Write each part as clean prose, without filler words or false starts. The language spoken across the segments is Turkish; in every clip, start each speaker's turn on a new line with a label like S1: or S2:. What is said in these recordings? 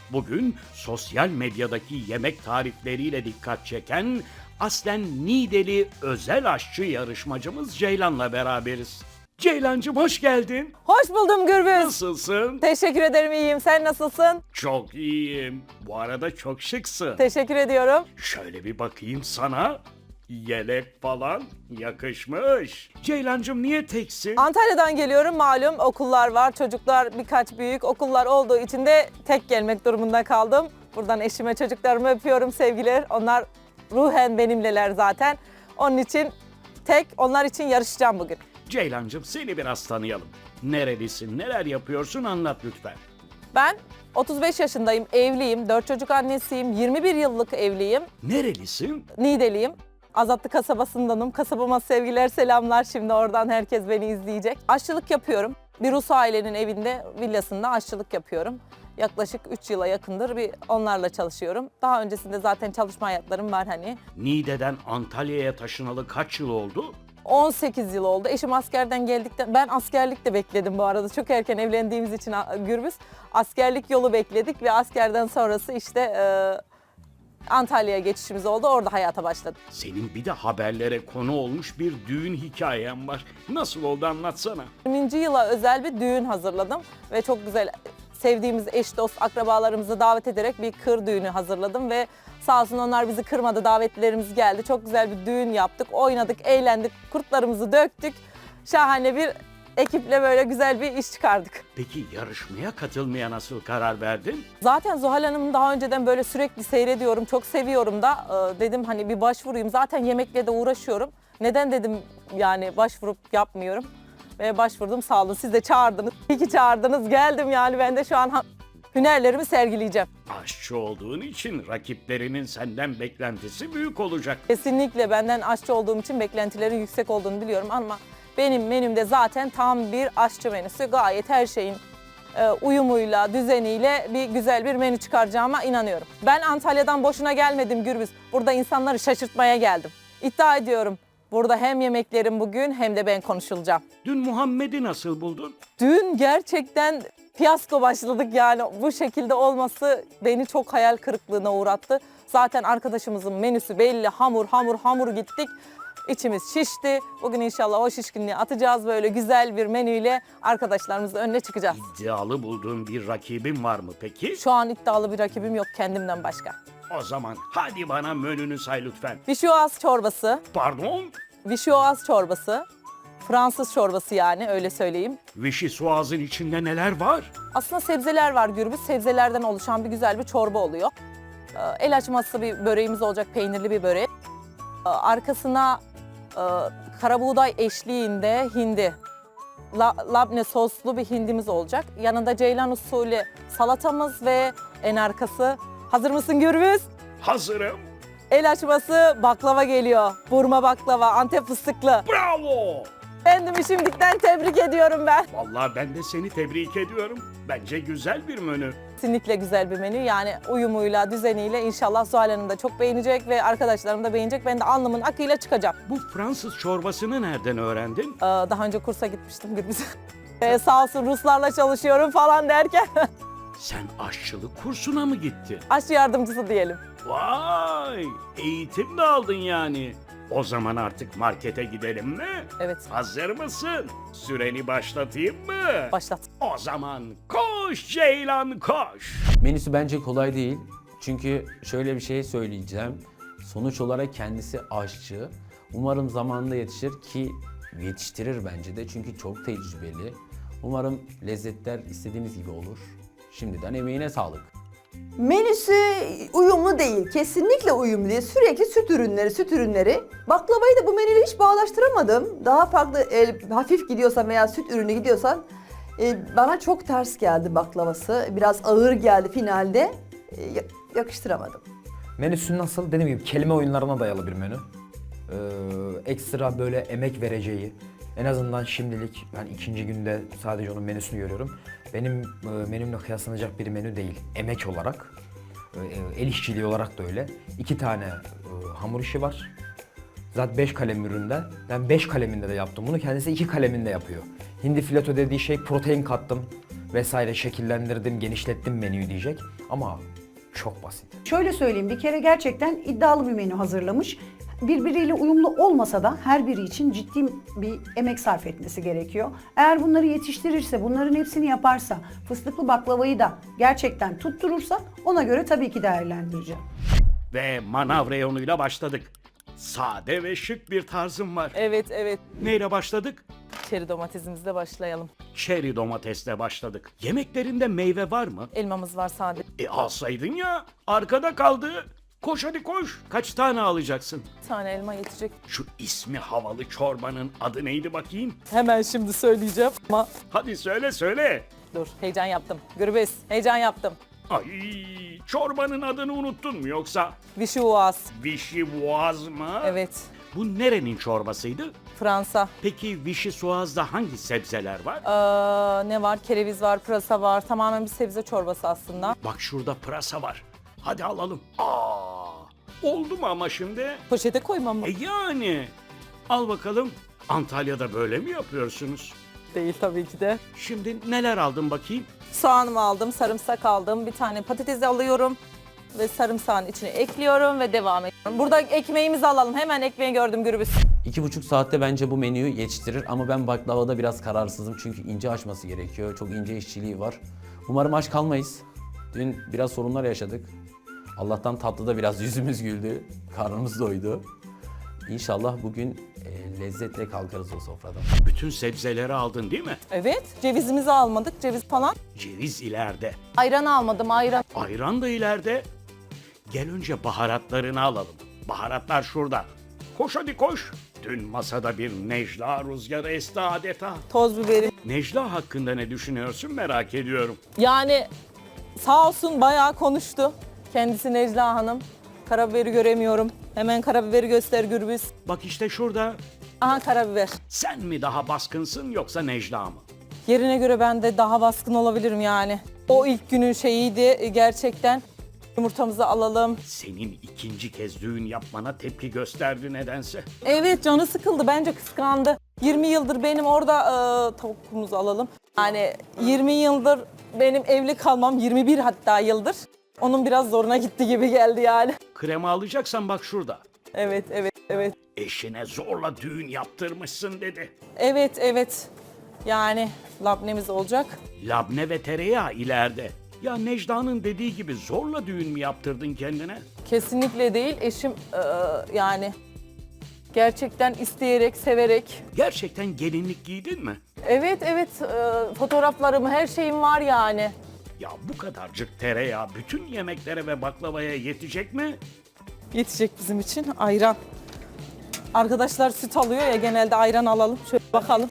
S1: Bugün sosyal medyadaki yemek tarifleriyle dikkat çeken aslen Niğdeli özel aşçı yarışmacımız Ceylan'la beraberiz. Ceylancığım hoş geldin.
S2: Hoş buldum Gürbüz.
S1: Nasılsın?
S2: Teşekkür ederim, iyiyim. Sen nasılsın?
S1: Çok iyiyim. Bu arada çok şıksın.
S2: Teşekkür ediyorum.
S1: Şöyle bir bakayım sana. Yelek falan yakışmış. Ceylancığım niye teksin?
S2: Antalya'dan geliyorum, malum okullar var, çocuklar birkaç büyük okullar olduğu için de tek gelmek durumunda kaldım. Buradan eşime, çocuklarımı öpüyorum, sevgiler. Onlar ruhen benimleler zaten. Onun için onlar için yarışacağım bugün.
S1: Ceylancığım seni biraz tanıyalım. Nerelisin, neler yapıyorsun anlat lütfen.
S2: Ben 35 yaşındayım, evliyim, 4 çocuk annesiyim, 21 yıllık evliyim,
S1: Nerelisin?
S2: Niğdeliyim. Azatlı kasabasındanım. Kasabama sevgiler, selamlar. Şimdi oradan herkes beni izleyecek. Aşçılık yapıyorum. Bir Rus ailenin evinde, villasında aşçılık yapıyorum. Yaklaşık 3 yıla yakındır onlarla çalışıyorum. Daha öncesinde zaten çalışma hayatlarım var hani.
S1: Niğde'den Antalya'ya taşınalı kaç yıl oldu?
S2: 18 yıl oldu. Eşim askerden geldikten... Ben askerlik de bekledim bu arada. Çok erken evlendiğimiz için Gürbüz. Askerlik yolu bekledik ve askerden sonrası işte Antalya'ya geçişimiz oldu. Orada hayata başladık.
S1: Senin bir de haberlere konu olmuş bir düğün hikayen var. Nasıl oldu anlatsana.
S2: 20. yıla özel bir düğün hazırladım ve çok güzel sevdiğimiz eş, dost, akrabalarımızı davet ederek bir kır düğünü hazırladım ve sağ olsun onlar bizi kırmadı, davetlilerimiz geldi. Çok güzel bir düğün yaptık, oynadık, eğlendik, kurtlarımızı döktük. Şahane bir ekiple böyle güzel bir iş çıkardık.
S1: Peki yarışmaya katılmaya nasıl karar verdin?
S2: Zaten Zuhal Hanım'ı daha önceden böyle sürekli seyrediyorum, çok seviyorum da dedim hani bir başvurayım. Zaten yemekle de uğraşıyorum. Neden dedim yani başvurup yapmıyorum. Ve başvurdum, sağ olun, siz de çağırdınız. İyi ki çağırdınız, geldim yani ben de şu an hünerlerimi sergileyeceğim.
S1: Aşçı olduğun için rakiplerinin senden beklentisi büyük olacak.
S2: Kesinlikle benden aşçı olduğum için beklentilerin yüksek olduğunu biliyorum ama benim menümde zaten tam bir aşçı menüsü. Gayet her şeyin uyumuyla, düzeniyle güzel bir menü çıkaracağıma inanıyorum. Ben Antalya'dan boşuna gelmedim Gürbüz. Burada insanları şaşırtmaya geldim. İddia ediyorum. Burada hem yemeklerim bugün hem de ben konuşulacağım.
S1: Dün Muhammed'i nasıl buldun?
S2: Dün gerçekten fiyasko başladık yani bu şekilde olması beni çok hayal kırıklığına uğrattı. Zaten arkadaşımızın menüsü belli, hamur gittik. İçimiz şişti. Bugün inşallah o şişkinliği atacağız, böyle güzel bir menüyle arkadaşlarımızın önüne çıkacağız.
S1: İddialı bulduğun bir rakibin var mı peki?
S2: Şu an iddialı bir rakibim yok kendimden başka.
S1: O zaman hadi bana menünü say lütfen.
S2: Vişyoğaz çorbası,
S1: Pardon?
S2: vişyoğaz çorbası, Fransız çorbası yani öyle söyleyeyim.
S1: Vişi Suaz'ın içinde neler var?
S2: Aslında sebzeler var Gürbüz. Sebzelerden oluşan bir güzel bir çorba oluyor. El açması bir böreğimiz olacak, peynirli bir börek. Arkasına karabuğday eşliğinde hindi, labne soslu bir hindimiz olacak. Yanında ceylan usulü salatamız ve en arkası. Hazır mısın Gürbüz?
S1: Hazırım.
S2: El açması baklava geliyor. Burma baklava, Antep fıstıklı.
S1: Bravo!
S2: Kendimi şimdiden tebrik ediyorum ben.
S1: Vallahi ben de seni tebrik ediyorum. Bence güzel bir menü.
S2: Kesinlikle güzel bir menü. Yani uyumuyla, düzeniyle inşallah Zuhal Hanım da çok beğenecek ve arkadaşlarım da beğenecek. Ben de alnımın akıyla çıkacağım.
S1: Bu Fransız çorbasını nereden öğrendin?
S2: Daha önce kursa gitmiştim Gürbüz. Sağ olsun Ruslarla çalışıyorum falan derken
S1: Sen aşçılık kursuna mı gittin?
S2: aşçı yardımcısı diyelim.
S1: Vay! Eğitim de aldın yani. O zaman artık markete gidelim mi?
S2: Evet,
S1: Hazır mısın? Süreni başlatayım mı?
S2: başlat.
S1: O zaman koş Ceylan koş.
S3: Menüsü bence kolay değil. Çünkü şöyle bir şey söyleyeceğim. Sonuç olarak kendisi aşçı. Umarım zamanında yetişir ki yetiştirir bence de çünkü çok tecrübeli. Umarım lezzetler istediğimiz gibi olur. Şimdiden emeğine sağlık.
S4: Menüsü uyumlu değil, kesinlikle uyumlu değil. Sürekli süt ürünleri. Baklavayı da bu menüyle hiç bağdaştıramadım. Daha farklı hafif gidiyorsan veya süt ürünü gidiyorsan bana çok ters geldi baklavası. Biraz ağır geldi finalde. Yakıştıramadım.
S5: Menüsü nasıl? Dediğim gibi kelime oyunlarına dayalı bir menü. Ekstra böyle emek vereceği, en azından şimdilik ben ikinci günde sadece onun menüsünü görüyorum. Benim menümle kıyaslanacak bir menü değil. Emek olarak, el işçiliği olarak da öyle. 2 tane hamur işi var. Zaten 5 kalem üründe. Ben 5 kaleminde de yaptım bunu. Kendisi 2 kaleminde yapıyor. Hindi fileto dediği şey protein kattım. vesaire şekillendirdim, genişlettim menüyü diyecek. Ama çok basit.
S6: Şöyle söyleyeyim, bir kere gerçekten iddialı bir menü hazırlamış. Birbiriyle uyumlu olmasa da her biri için ciddi bir emek sarf etmesi gerekiyor. Eğer bunları yetiştirirse, bunların hepsini yaparsa, fıstıklı baklavayı da gerçekten tutturursa ona göre tabii ki değerlendireceğim.
S1: Ve manav reyonuyla başladık. Sade ve şık bir tarzım var.
S2: Evet, evet.
S1: Neyle başladık?
S2: Çeri domatesimizle başlayalım.
S1: Çeri domatesle başladık. Yemeklerinde meyve var mı?
S2: Elmamız var sade.
S1: Alsaydın ya. Arkada kaldı. Koş hadi koş. Kaç tane alacaksın?
S2: Bir tane elma yetecek.
S1: Şu ismi havalı çorbanın adı neydi bakayım?
S2: Hemen şimdi söyleyeceğim ama
S1: Hadi söyle söyle.
S2: dur, heyecan yaptım. Gürbüz, heyecan yaptım.
S1: Ay, çorbanın adını unuttun mu yoksa?
S2: Vişuas.
S1: Vişivoaz mı?
S2: Evet.
S1: Bu nerenin çorbasıydı?
S2: Fransa.
S1: Peki vişisoğazda hangi sebzeler var?
S2: Ne var? Kereviz var, pırasa var. Tamamen bir sebze çorbası aslında.
S1: Bak şurada pırasa var. Hadi alalım. Oldu mu ama şimdi?
S2: Poşete koymam mı?
S1: Yani. Al bakalım. Antalya'da böyle mi yapıyorsunuz?
S2: Değil tabii ki de.
S1: Şimdi neler aldın bakayım?
S2: Soğanımı aldım, sarımsak aldım. Bir tane patates alıyorum. Ve sarımsağın içine ekliyorum ve devam ediyorum. Burada ekmeğimizi alalım. Hemen ekmeği gördüm Gürbüz.
S3: 2,5 saatte bence bu menüyü yetiştirir ama ben baklavada biraz kararsızım çünkü ince açması gerekiyor. Çok ince işçiliği var. Umarım aç kalmayız. Dün biraz sorunlar yaşadık. Allah'tan tatlıda biraz yüzümüz güldü. Karnımız doydu. İnşallah bugün lezzetle kalkarız o sofradan.
S1: Bütün sebzeleri aldın değil mi?
S2: Evet, cevizimizi almadık. Ceviz falan.
S1: Ceviz ileride.
S2: Ayran almadım, ayran.
S1: Ayran da ileride. Gel önce baharatlarını alalım. Baharatlar şurada. Koş hadi koş. Dün masada bir Necla rüzgarı esti adeta.
S2: Toz biberim.
S1: Necla hakkında ne düşünüyorsun merak ediyorum.
S2: Yani sağ olsun bayağı konuştu. Kendisi Necla Hanım. Karabiberi göremiyorum. Hemen karabiberi göster Gürbüz.
S1: Bak işte şurada.
S2: Aha karabiber.
S1: Sen mi daha baskınsın yoksa Necla mı?
S2: Yerine göre ben de daha baskın olabilirim yani. O ilk günün şeyiydi gerçekten. Yumurtamızı alalım.
S1: Senin ikinci kez düğün yapmana tepki gösterdi nedense.
S2: Evet, canı sıkıldı, bence kıskandı. 20 yıldır benim orada tavukumuzu alalım. Yani 20 yıldır benim evli kalmam, 21 hatta yıldır. Onun biraz zoruna gitti gibi geldi yani.
S1: Krema alacaksan bak şurada.
S2: Evet, evet, evet.
S1: Eşine zorla düğün yaptırmışsın dedi.
S2: Evet, evet. Yani labnemiz olacak.
S1: Labne ve tereyağı ileride. Ya Necla'nın dediği gibi zorla düğün mü yaptırdın kendine?
S2: Kesinlikle değil. Eşim yani gerçekten isteyerek, severek.
S1: Gerçekten gelinlik giydin mi?
S2: Evet, evet. Fotoğraflarım, her şeyim var yani.
S1: Ya bu kadarcık tereyağı bütün yemeklere ve baklavaya yetecek mi?
S2: Yetecek bizim için ayran. Arkadaşlar süt alıyor ya, genelde ayran alalım. Şöyle bakalım.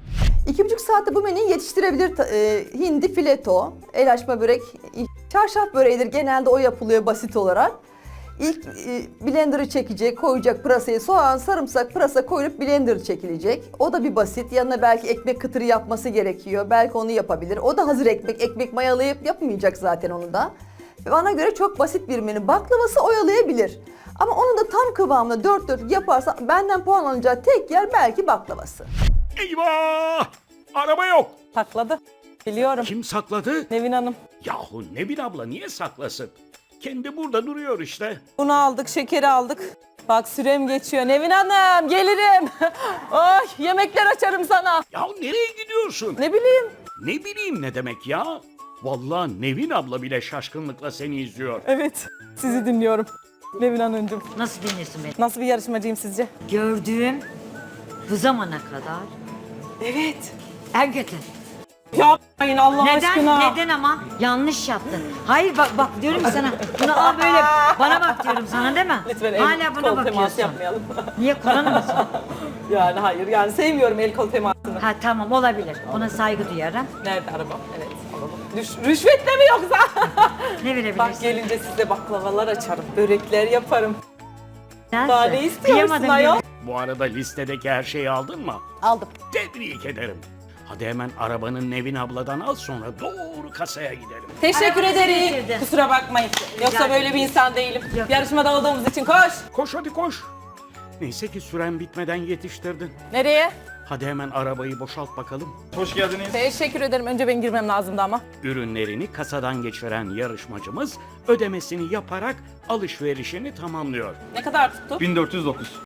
S4: 2,5 saatte bu menüyü yetiştirebilir. Hindi fileto, el açma börek, çarşaf böreğidir. Genelde o yapılıyor basit olarak. İlk blender'ı çekecek, koyacak pırasayı, soğan, sarımsak, pırasa koyup blender çekilecek. O da bir basit. Yanına belki ekmek kıtırı yapması gerekiyor. Belki onu yapabilir. O da hazır ekmek. Ekmek mayalayıp yapmayacak zaten onu da. Ve bana göre çok basit bir menü. Baklavası oyalayabilir. Ama onu da tam kıvamında dört dörtlük yaparsa benden puan alacağı tek yer belki baklavası.
S1: Eyvah! Araba yok.
S2: Sakladı. Biliyorum.
S1: Kim sakladı?
S2: Nevin Hanım.
S1: Yahu Nevin abla niye saklasın? Kendi burada duruyor işte.
S2: Bunu aldık, şekeri aldık. Bak sürem geçiyor. Nevin Hanım gelirim. Ay, yemekler açarım sana.
S1: Yahu nereye gidiyorsun?
S2: Ne bileyim.
S1: Ne bileyim ne demek ya? Vallahi Nevin abla bile şaşkınlıkla seni izliyor.
S2: Evet, sizi dinliyorum. Nevin Hanımcığım.
S7: Nasıl dinliyorsun beni?
S2: Nasıl bir yarışmacıyım sizce?
S7: Gördüğüm bu zamana kadar
S2: Evet.
S7: en kötü.
S2: Yapmayın Allah
S7: Neden?
S2: aşkına.
S7: Neden ama? Yanlış yaptın. Hayır bak diyorum ki sana. Bunu al böyle bana bak diyorum sana değil mi?
S2: Lütfen
S7: Hala buna
S2: kol teması
S7: bakıyorsun.
S2: yapmayalım.
S7: Niye Kur'an'ı mısın?
S2: Yani hayır, yani sevmiyorum el kol temasını.
S7: Ha tamam olabilir. Buna saygı duyarım.
S2: Nerede arabam? Evet, alalım. Rüşvetle mi yoksa?
S7: Ne
S2: Bak
S7: verebilirsin?
S2: gelince size baklavalar açarım, börekler yaparım.
S7: Nasıl?
S2: Daha ne istiyorsun
S7: Kıyamadım
S2: ayol?
S1: Bu arada listedeki her şeyi aldın mı?
S2: Aldım.
S1: Tebrik ederim. Hadi hemen arabanın Nevin abladan al sonra doğru kasaya gidelim.
S2: Teşekkür
S7: Arabamızı
S2: ederim.
S7: getirdin.
S2: Kusura bakmayın. Yoksa böyle bir insan değilim.
S7: Yok.
S2: Yarışmada olduğumuz için koş.
S1: Koş hadi koş. Neyse ki süren bitmeden yetiştirdin.
S2: Nereye?
S1: Hadi hemen arabayı boşalt bakalım.
S8: Hoş geldiniz.
S2: Teşekkür ederim. Önce ben girmem lazımdı ama.
S1: Ürünlerini kasadan geçiren yarışmacımız ödemesini yaparak alışverişini tamamlıyor.
S2: Ne kadar tuttu?
S8: 1409.